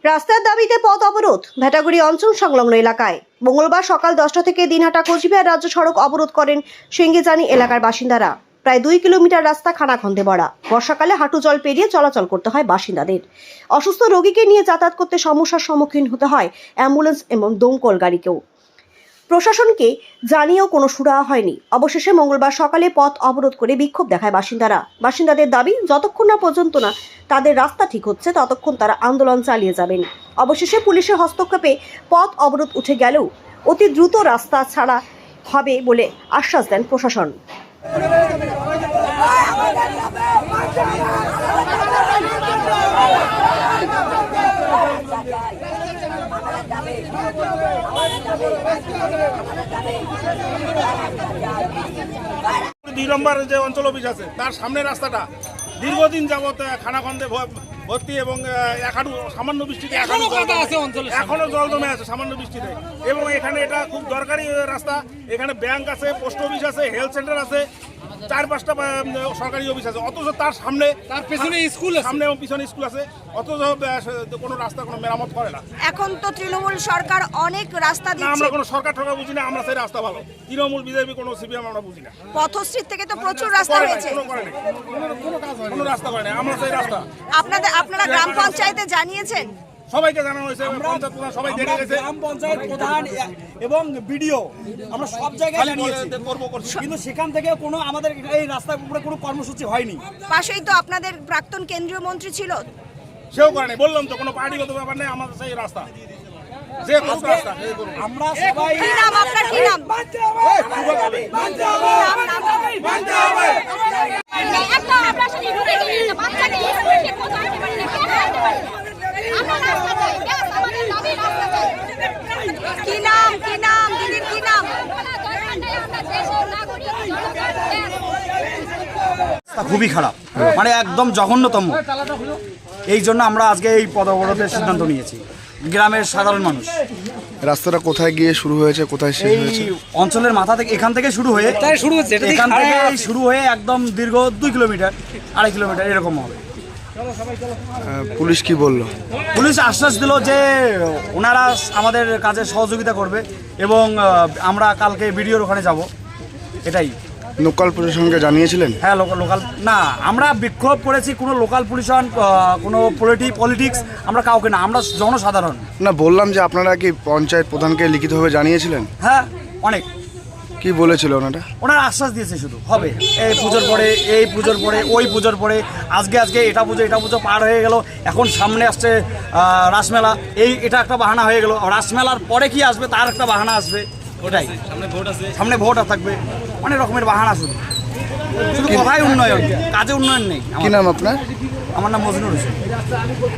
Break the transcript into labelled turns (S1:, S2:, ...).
S1: রাস্তার দাবিতে পথ অবরোধ ভেটাগুড়ি অঞ্চল সংলগ্ন এলাকায়। মঙ্গলবার সকাল 10টা থেকে দিনহাটা কোচবিহার রাজ্য সড়ক অবরোধ করেন সিঙ্গিজানি এলাকার বাসিন্দারা। প্রায় 2 কিলোমিটার রাস্তা খানাখন্দে ভরা। বর্ষাকালে হাঁটু জল পেরিয়ে চলাচল করতে হয় বাসিন্দাদের। অসুস্থ রোগীকে নিয়ে যাতায়াত করতে সমস্যার সম্মুখীন হতে হয় অ্যাম্বুলেন্স এবং দমকল গাড়িকেও। প্রশাসনকে জানিয়েও কোনো সুরাহা হয়নি। অবশেষে মঙ্গলবার সকালে পথ অবরোধ করে বিক্ষোভ দেখায় বাসিন্দারা। বাসিন্দাদের দাবি, যতক্ষণ না পর্যন্ত না তাদের রাস্তা ঠিক হচ্ছে ততক্ষণ তারা আন্দোলন চালিয়ে যাবেন। অবশেষে পুলিশের হস্তক্ষেপে পথ অবরোধ উঠে গেলেও অতি দ্রুত রাস্তা ছাড়া হবে বলে আশ্বাস দেন প্রশাসন।
S2: দুই নম্বর যে অঞ্চল অফিস আছে তার সামনে রাস্তাটা দীর্ঘদিন যাবত খানাখন্দে ভর্তি এবং সামান্য বৃষ্টিতে এখনো জল জমে আছে সামান্য বৃষ্টিতে। এবং এখানে এটা খুব দরকারি রাস্তা। এখানে ব্যাংক আছে, পোস্ট অফিস আছে, হেলথ সেন্টার আছে, 4-5টা সরকারি অফিস আছে। অথচ তার সামনে তার পেছনে স্কুল সামনে এবং পিছনে স্কুল আছে, অথচ কোনো রাস্তা কোনো মেরামত করে না।
S3: এখন তো তৃণমূল সরকার অনেক রাস্তা দিচ্ছে।
S2: আমরা কোনো সরকার ঠকা বুঝি না, আমরা সেই রাস্তা ভালো। তৃণমূল বিজেপি কোনো সিপিএম আমরা বুঝি না।
S3: পথশ্রী থেকে তো প্রচুর রাস্তা হয়েছে,
S2: কোনো রাস্তা করে না, আমরা সেই রাস্তা।
S3: আপনারা গ্রাম পঞ্চায়েতে জানিয়েছেন?
S2: সবাইকে জানানো হয়েছে, পঞ্চায়েত প্রধান সবাই দেখে গেছে,
S4: গ্রাম পঞ্চায়েত প্রধান এবং বিডিও আমরা সব জায়গায় জানিয়েছি, কিন্তু সেখান থেকে কোনো আমাদের এই রাস্তার উপরে কোনো কর্মসূচি হয়নি।
S3: পাশেই তো আপনাদের প্রাক্তন কেন্দ্রীয় মন্ত্রী ছিল,
S2: সেও করেনি। বললাম তো কোনো পার্টিগত ব্যাপার নেই, আমাদের সেই রাস্তা যে রাস্তা
S4: আমরা সবাই
S3: কি নাম আপনার, কি নাম? কি নাম, কি নাম দিদির, কি নাম?
S5: খুবই খারাপ, মানে একদম জঘন্যতম। এই জন্য আমরা আজকে এই পথ অবরোধের সিদ্ধান্ত নিয়েছি। গ্রামের সাধারণ মানুষ
S6: রাস্তাটা কোথায় গিয়ে শুরু হয়েছে, কোথায় শেষ হয়েছে?
S5: অঞ্চলের মাথা থেকে এখান থেকে শুরু হয়ে এখান থেকে শুরু হয়ে একদম দীর্ঘ 2 কিলোমিটার 2.5 কিলোমিটার এরকম হবে।
S6: পুলিশ কি বললো?
S5: পুলিশ আশ্বাস দিল যে ওনারা আমাদের কাজে সহযোগিতা করবে এবং আমরা কালকে বিডিওর ওখানে যাব। এটাই।
S6: লোকাল প্রশাসনকে জানিয়েছিলেন?
S5: হ্যাঁ, লোকাল না, আমরা বিক্ষোভ করেছি। কোনো লোকাল প্রশাসন, কোনো পলিটিক্স আমরা কাউকে না, আমরা জনসাধারণ।
S6: না, বললাম যে আপনারা কি পঞ্চায়েত প্রধানকে লিখিতভাবে জানিয়েছিলেন?
S5: হ্যাঁ, অনেক।
S6: কি বলেছিল ওনারা?
S5: ওনারা আশ্বাস দিয়েছে শুধু হবে, এই পুজোর পরে, এই পুজোর পরে, ওই পুজোর পরে। আজকে এটা পুজো পার হয়ে গেল, এখন সামনে আসছে রাসমেলা। এটা একটা বাহানা হয়ে গেল। রাসমেলার পরে কি আসবে তার একটা বাহানা আসবে। ওটাই, সামনে ভোট থাকবে, অনেক রকমের বাহানা। শুধু কথাই উন্নয়ন, কাজে উন্নয়ন নেই।
S6: কি নাম আপনার?
S5: আমার নাম মজনুর হোসেন।